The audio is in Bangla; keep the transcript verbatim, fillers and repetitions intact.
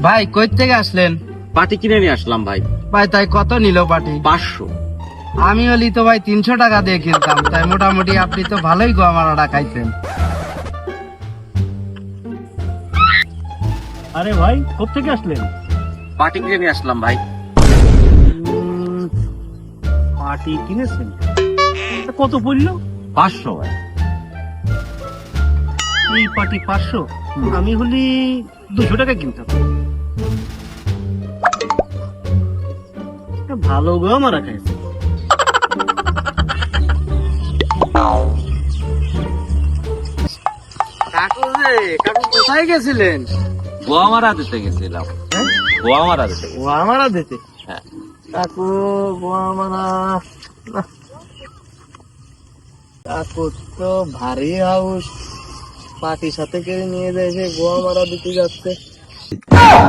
ভাই কই থেকে আসলেন? পাটি কিনে নিয়ে আসলাম ভাই। ভাই তাই কত নিল পাটি? পাঁচশো। আমি হলি তো ভাই তিনশো টাকা দিয়ে কিনতাম, তাই মোটামুটি আপনি তো ভালোই গোয়ামারাটা খাইছেন। আরে ভাই কোথেকে আসলেন? পাটি কিনে নিয়ে আসলাম ভাই। উম, পাটি কিনেছেন? তা কত পড়লো? পাঁচশো ভাই। এই পাটি পাঁচশো, আমি হলি দুশো টাকা কিনতাম। তা ভালো গো আমার খাইছে। কাকু যে কাকু কোথায় গেছিলেন? গোয়ামারা দিতে গেছিলাম। গোয়ামারা দিতে। ও আমারা দিতে? হ্যাঁ। কাকু গো আমারা, কাকু তো ভারী হাউস, পাটির সাথে করে নিয়ে যায়, গো আমারা দিতে যাচ্ছে।